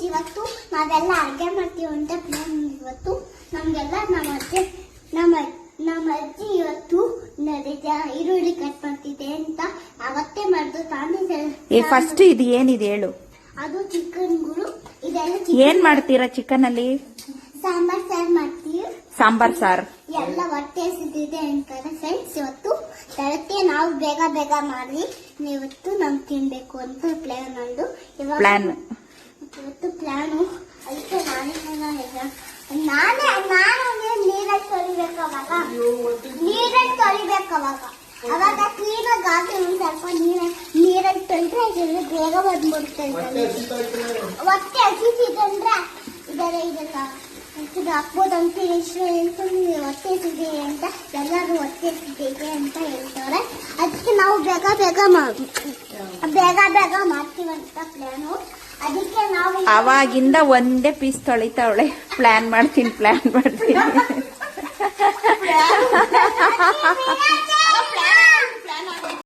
ಇವತ್ತು ನಾವೆಲ್ಲ ಅಡುಗೆ ಮಾಡ್ತೀವಿ ಅಂತ ಪ್ಲಾನ್. ಇವತ್ತು ನಮ್ಗೆಲ್ಲ ನಮ್ಮ ಅಜ್ಜಿ ಇವತ್ತು ಈರುಳ್ಳಿ ಕಟ್ ಮಾಡ್ತಿದೆ ಅಂತ ಅವತ್ತೇ ಮಾಡ್ದು ತಾನೇ. ಫಸ್ಟ್ ಇದು ಏನಿದೆ ಹೇಳು. ಅದು ಚಿಕನ್ಗಳು ಇದೆಲ್ಲ. ಏನ್ ಮಾಡ್ತೀರಾ ಚಿಕನ್ ಅಲ್ಲಿ? ಸಾಂಬಾರ್ ಸಾರು ಮಾಡ್ತೀವಿ. ಸಾಂಬಾರ್ ಸಾರು ಎಲ್ಲ ಹೊಟ್ಟೆ ಹಸಿದಿದೆ ಅಂತಾರೆ ಫ್ರೆಂಡ್ಸ್. ಇವತ್ತು ಬೆಳಗ್ಗೆ ನಾವು ಬೇಗ ಬೇಗ ಮಾಡಿ ಇವತ್ತು ನಾವು ತಿನ್ಬೇಕು ಅಂತ ಪ್ಲಾನ್ ನಂದು. ಇವತ್ತು ಪ್ಲಾನು ಅದಕ್ಕೆ ನಾನೇ ನೀರಲ್ಲಿ ತೊಳಿಬೇಕು. ಅವಾಗ ಕ್ಲೀನಾಗಿ ಹಾಕಿ ಒಂದು ಸ್ವಲ್ಪ ನೀರಲ್ಲಿ ತೊಳೆದ್ರೆ ಬೇಗ ಬಂದ್ಬಿಡ್ತದೆ. ಹೊಟ್ಟೆ ಹಸಿತಿದ್ರೆ ಇದೆಲ್ಲ ಹಾಕ್ಬೋದಂತ ಹೊಟ್ಟೆ ಹಸಿದೆ ಅಂತ ಎಲ್ಲರೂ ಹೊಟ್ಟೆ ಹಸಿದೆ ಅಂತ ಹೇಳ್ತಾರೆ. ಅದಕ್ಕೆ ನಾವು ಬೇಗ ಬೇಗ ಮಾಡ್ತೀವಂತ ಪ್ಲಾನು. ಅದಕ್ಕೆ ನಾವು ಅವಾಗಿಂದ ಒಂದೇ ಪೀಸ್ ತೊಳಿತಾವಳೆ. ಪ್ಲಾನ್ ಮಾಡ್ತೀನಿ